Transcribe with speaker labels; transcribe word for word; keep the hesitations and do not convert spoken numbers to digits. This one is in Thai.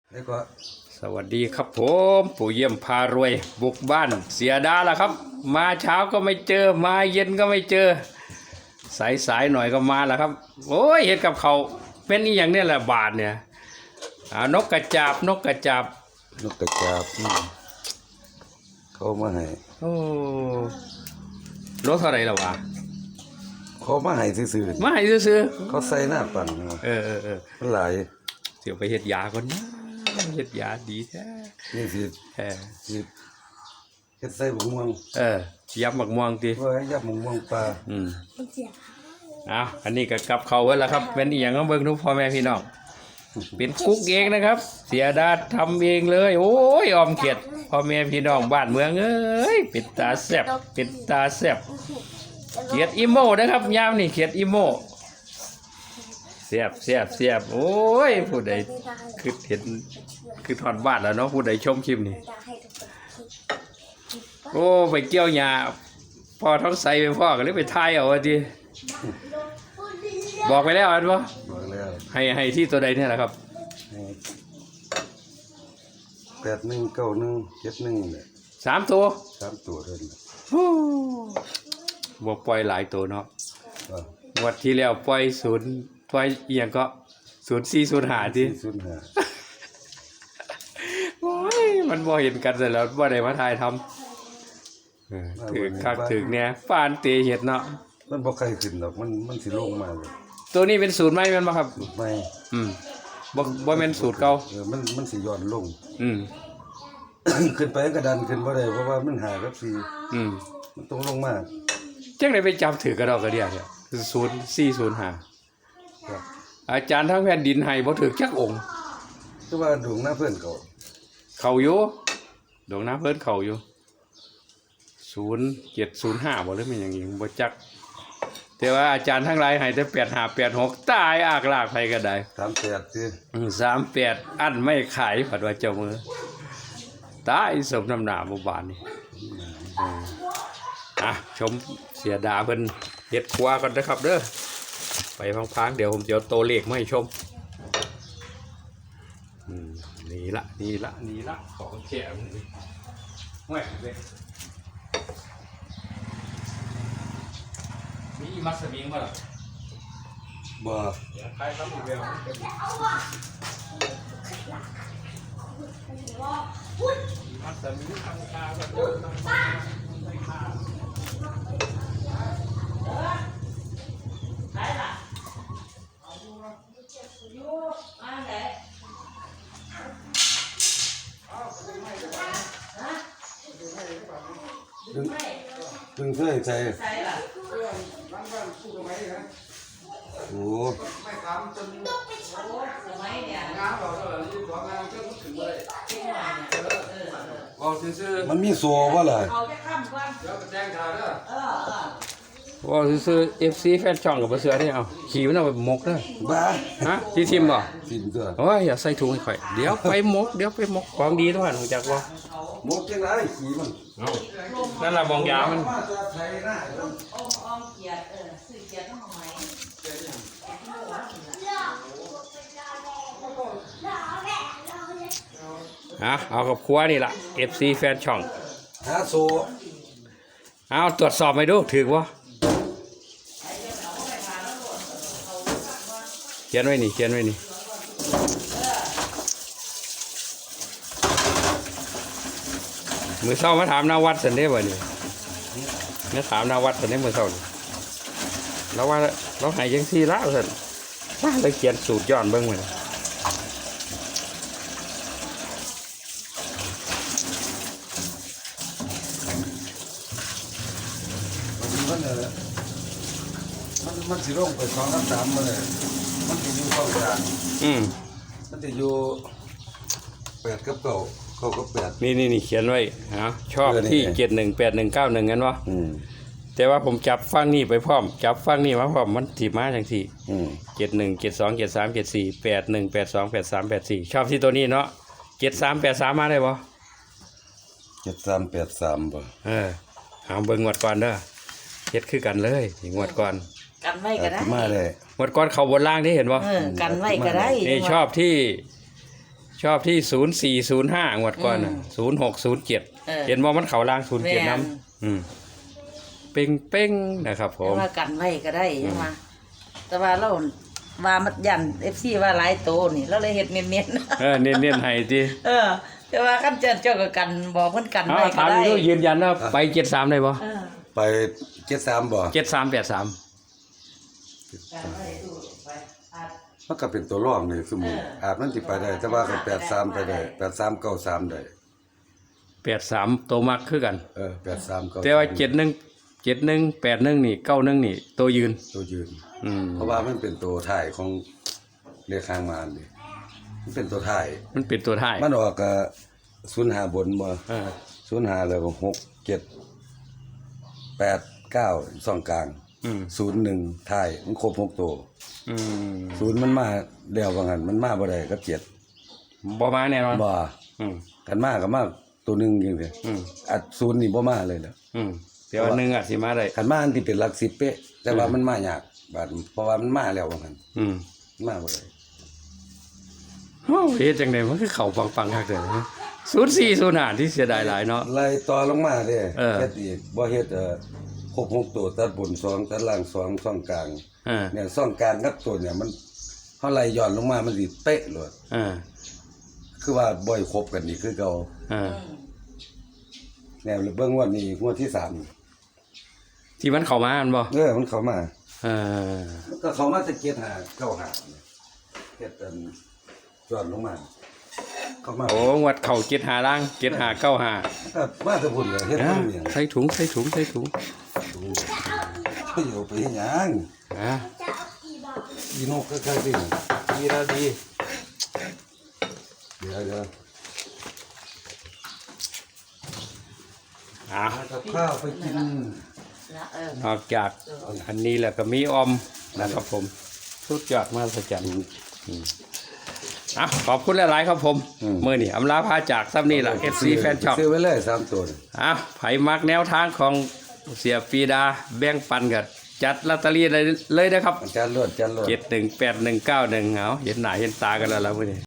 Speaker 1: แล้วก็
Speaker 2: สวัสดีครับผมปู่เยี่ยมพารวยบุกบ้านเสียดาแล้วครับ มาเช้าก็ไม่เจอมาเย็นก็ไม่เจอสายสายหน่อยก็มาแล้วครับโอ้ยเห็นกับเขาเป็นอีอย่างนี้แหละบาทเนี่ยนกกระจาบนกกระจาบ
Speaker 1: นกกระจาบเขามาให้
Speaker 2: โอ้รถเท่าไรแล้ววะ
Speaker 1: เขามาให้ซื้อ
Speaker 2: มาให้ซื้อ
Speaker 1: เขาใส่หน้าปั่น
Speaker 2: เออเออเออ
Speaker 1: มันหลาย
Speaker 2: เดี๋ยวไปเฮ็ดยาก่อนนะเฮ็ดยาดีแท้
Speaker 1: นี่สิ
Speaker 2: เออ
Speaker 1: สิเฮ็ดใส่หมกม่วง
Speaker 2: เออยับหมกม่วงติ
Speaker 1: ว่ายับหมกม่วงปลา
Speaker 2: อืมอ้าวอันนี้ก็กับเขาไว้แล้วครับเป็นอีหยังก็เบิ่งทุกพ่อแม่พี่น้องเป็นกุ๊กเองนะครับเสียดาทำเองเลยโอ้ยออมเขียดพ่อแม่พี่น้องบ้านเมืองเอ้ยปิดตาแซ่บปิดตาแซ่บเขียดอีโม่นะครับยามนี่เขียดอีโม่แซ่บแซ่บแซ่บโอ้ยผู้ใดคือเห็นคือถอดบ้านแล้วเนาะผู้ใดชมคลิปนี่โอ้ไปเกี่ยวหญ้าพ่อท้องใสไปพ่อก็เลยไปทายเอาว่าทีบอกไปแล้วอันวะ
Speaker 1: บอกแล้ว
Speaker 2: ให้ให้ที่ตัวใดเนี่ยแหละครับ
Speaker 1: แปดหนึ่งเก้าหนึ่งเจ็ดหนึ่งเนี่ย
Speaker 2: สามตัว
Speaker 1: สามตัวเท่านั้น
Speaker 2: บอกปล่อยหลายตัวเนาะวัดที่แล้วปล่อยศูนย์ปล่อยเอียงก็ศูนย์สี่ศูนย์หาที่
Speaker 1: ศูนย์หา
Speaker 2: โอ้ยมันบ่เห็นกันเสร็จแล้วบ่ได้มาถ่ายทำถือคักถือเนี่ยปานเตะเห็ดเนาะ
Speaker 1: มันบ่ใครขึ้นหรอกมันมันสิลงมาเลย
Speaker 2: ตัวนี้เป็นสูตรไหมมันบ่ครับ
Speaker 1: สูตรไหม
Speaker 2: อืมบ่บ่เป็นสูตรเก่า
Speaker 1: เออมันมันสิย้อนลง
Speaker 2: อืม
Speaker 1: ขึ้นไปก็ดันขึ้นบ่ได้เพราะว่ามันหากับสี่
Speaker 2: อืม
Speaker 1: มันต้องลงมา
Speaker 2: จังได๋ไปจับถือกระดอกกระเดียเนี่ยคือศูนย์สี่ศูนย์ห้าครับอาจารย์ทั้งแผ่นดินให้บ่ถือจักองค์
Speaker 1: คือว่าดวงหน้าเพิ่นเขา
Speaker 2: เขาอยู่ดวงหน้าเพิ่นเขาอยู่ศูนย์เจ็ดศูนย์ห้าบ่หรือมันอย่างงี้บ่จักแต่ว่าอาจารย์ทั้งหลายให้แต่แปดห้าแปดหกตายอากลากไปก็ได้
Speaker 1: สามแปดสิ
Speaker 2: อืมสามแปดอันไม่ขายผัดว่าเจ้ามือตายสมน้ำหน้าบ่บานนี่อืมอ่ะชมเสียดาเพิ่นเฮ็ดครัวก่อนนะครับเด้อไปพังๆเดี๋ยวผมจะเอาตัวเลขมาให้ชมอืมนี่ละนี่ละนี่ละของแข็งนี่แหวกเลยมีมัสมิงบ่ล่ะ
Speaker 1: บ่
Speaker 2: เดี๋ยวใครทำอีกแล้วมัสมิงทำคาก็ได้ค่า
Speaker 1: ดึงดึงเสื้อใส่โอ้ไม่ทำจนสมัยเนี่ยงานเราเออยี่สิบสองงานก็ถึงเลยบอกซื่อมันมีโซ่ป่ะล่ะเอาแค่ข้ามก่อนเดี๋ยวแจ้งข่าวเด้อเอ
Speaker 2: อว่าซื้อ เอฟ ซี แฟนช่องกับเสือได้เอาขี่มันเอาไปมกเด้อ
Speaker 1: บ้า
Speaker 2: ฮะที่ทิมบ่
Speaker 1: ทิมตัว
Speaker 2: โอ้ยอย่าใส่ถุงให้ข่อยเดี๋ยวไปมกเดี๋ยวไปมกของดีทุกท่านรู้จักบ่
Speaker 1: มกจังไรขี่มัน
Speaker 2: เอ้านั่นล่ะบองยามันฮะเอากับครัวนี่ล่ะ เอฟ ซี แฟนช่อง
Speaker 1: หาโซ
Speaker 2: เอาตรวจสอบไปดูถือวะเขียนไว้นี่เขียนไว้นี่มือเศร้ามาถามนาวัดสันได้บ่นี่มาถามนาวัดสันได้มือเศร้าแล้วว่าเราหายยังซี่ละสันว่าเราเขียนสูตรย้อนเบิ้งไว้
Speaker 1: มันมันมันสิลงไปสองกับสามมาเลยมันจะอยู่เข้ากลาง
Speaker 2: อืม
Speaker 1: มันจะอยู่แปดกับเก้าเก้ากับแปด
Speaker 2: นี่นี่นี่เขียนไว้ฮะชอบที่เจ็ดหนึ่งแปดหนึ่งเก้าหนึ่งงั้นวะแต่ว่าผมจับฟังนี่ไปพร้อมจับฟังนี่มาพร้อมมันถีมาจังสี่เจ็ดหนึ่งเจ็ดสองเจ็ดสามเจ็ดสี่แปดหนึ่งแปดสองแปดสามแปดสี่ชอบที่ตัวนี้เนาะเจ็ดสามแปดสามมาได้บ่
Speaker 1: เจ็ดสามแปดสามบ่
Speaker 2: เออหาเบิ้งงวดก่อนเด้อเฮ็ดคือกันเลยงวดก่อน
Speaker 3: กันไว้ก็ได้
Speaker 1: มาเลย
Speaker 2: งวดก่อนเขาบนล่างที่เห็นบ่
Speaker 3: กันไว้ก็ได้
Speaker 2: นี่ชอบที่ชอบที่ศูนย์สี่ศูนย์ห้างวดก่อนน่ะศูนย์หกศูนย์เจ็ด
Speaker 3: เออ
Speaker 2: เห็นว่ามันเขาล่างศูนย์เจ็ด
Speaker 3: แม่น
Speaker 2: น้ำอืมเป้งเป้งนะครับผ
Speaker 3: แต่
Speaker 2: ม
Speaker 3: ว่ากันไว้ก็ได้ใช่ไหมแต่ว่าเราว่ามันยันเอฟซีว่าหลายโตนี่เราเลยเฮ็ดเนียน
Speaker 2: เออเน้นเน้นให้ที
Speaker 3: ๆเออ แต่ว่าคันเจ้าเจ้าก็กันบอกเพิ่นกัน
Speaker 2: เอา
Speaker 3: ไว้ก็
Speaker 2: ถาม
Speaker 3: ได้
Speaker 2: ดูยืนยันว่าไปเจ็ดสามได้ปะ
Speaker 3: เออ
Speaker 1: ไปเจ็ดสามบ่
Speaker 2: เจ็ดสามแปดสาม
Speaker 3: กันไว้ดูไปอาจ
Speaker 1: มันก็เป็นตัวรองนี่สมมุติ
Speaker 3: เอออ
Speaker 1: อาจมันสิไปได้ แต่ว่าก็แปดสามไปได้แปดสามเก้าสามได้
Speaker 2: แปดสามตัวมักคือกัน
Speaker 1: เออแปดสามเก้า
Speaker 2: แต่ว่าเจ็ดหนึ่งเจ็ดหนึ่งแปดหนึ่งนี่เก้าหนึ่งนี่ตัวยืน
Speaker 1: ตัวยืน
Speaker 2: อืม
Speaker 1: เพราะว่ามันเป็นตัวท้ายของเลขข้างมานดิมันเป็นตัวท้าย
Speaker 2: มันเป็นตัวท้าย
Speaker 1: มันออกก็ศูนย์ห้าบนบ่
Speaker 2: เออ
Speaker 1: ศูนย์ห้าแล้วก็หกเจ็ดแปดเก้าสองกลาง
Speaker 2: อืม
Speaker 1: ศูนย์หนึ่งท้ายมันครบหกตัว
Speaker 2: อืม
Speaker 1: ศูนย์มันมาแล้วว่างั้นมันมาบ่ได้ก็เจ็ด
Speaker 2: บ่มาแน่นอน
Speaker 1: บ่
Speaker 2: อืม
Speaker 1: กันมาก็มาตัวหนึงจังซี่
Speaker 2: อืม
Speaker 1: อัดศูนย์นี่บ่มาเลยแหล้ว
Speaker 2: อืมแต่ว่าหนึ่งอ่ะสิมาได้
Speaker 1: กันมาอันที่เป็นหลักสิบเป๊ะ แต่ว่ามันมายากบาดเพราะว่ามันมาแล้วว่างั้น
Speaker 2: อืม
Speaker 1: มาบ่ได้
Speaker 2: โอ้เฮ็ดจังไดมันคือเข้าปังๆคักเด้อศูนย์สี่ศูนย์ห้าที่เสียดายหลายเนาะ
Speaker 1: ไล่ต่อลงมาเด้
Speaker 2: เออ
Speaker 1: เฮ็ดอีกบ่เฮ็ดเอ่อครบหกตัวตัดบนสองตัดล่างสองช่องกลาง
Speaker 2: เออ
Speaker 1: เนี่ยช่องกลางกับตัวเนี่ยมันเฮาไล่ย้อนลงมามันสิเป๊ะเลย
Speaker 2: เออ
Speaker 1: คือว่าบ่อยครบกันนี่คือเก่า
Speaker 2: เออ
Speaker 1: แนวเบิ่งงวดนี้งวดที่สาม
Speaker 2: ที่มันเข้ามามันบ่
Speaker 1: เออมันเข้ามา
Speaker 2: เออ
Speaker 1: ก็เข้ามาจะเกียรหาเก้าหาเนี่ยเฮ็ดอันย้อนลงมา เข้ามา
Speaker 2: โอ้งวดเข้าเจ็ดหาล่างเจ็ดหาเก้าหา
Speaker 1: ก็มาแต่พุ่นเลยเฮ็ด
Speaker 2: อ่ะ
Speaker 1: บ่มีหยัง
Speaker 2: ใส่ถุงใส่ถุงใส่ถุง
Speaker 1: ไปอยู่ไปเฮ็ดหยัง
Speaker 2: อ่ะ
Speaker 1: อีนกก็ใช่สิดีแล้วดีเดี๋ยวเดี๋ยว
Speaker 2: อ่ะ
Speaker 1: กับข้าวไปกิน
Speaker 3: นะเออน
Speaker 2: อกจากอันนี้แล้วก็มีออมนะครับผมสุดยอดมากสัจจันอ่ะขอบคุณหลายๆครับผมมือนี่อำลาพาจากซ้ำนี่แหละ เอฟ ซี แฟนช็อป
Speaker 1: ซื้อไว้เลยสามตัวนี่
Speaker 2: อ่ะไผมักแนวทางของเสียปีดาแบ่งปันกันจัดลอตเตอรี่เลยเลยนะครับ
Speaker 1: อาจารย์รวดอาจารย์รวด
Speaker 2: เจ็ดหนึ่งแปดหนึ่งเก้าหนึ่งเอาเห็นหน้าเห็นตากันแล้วล่ะมื้อนี้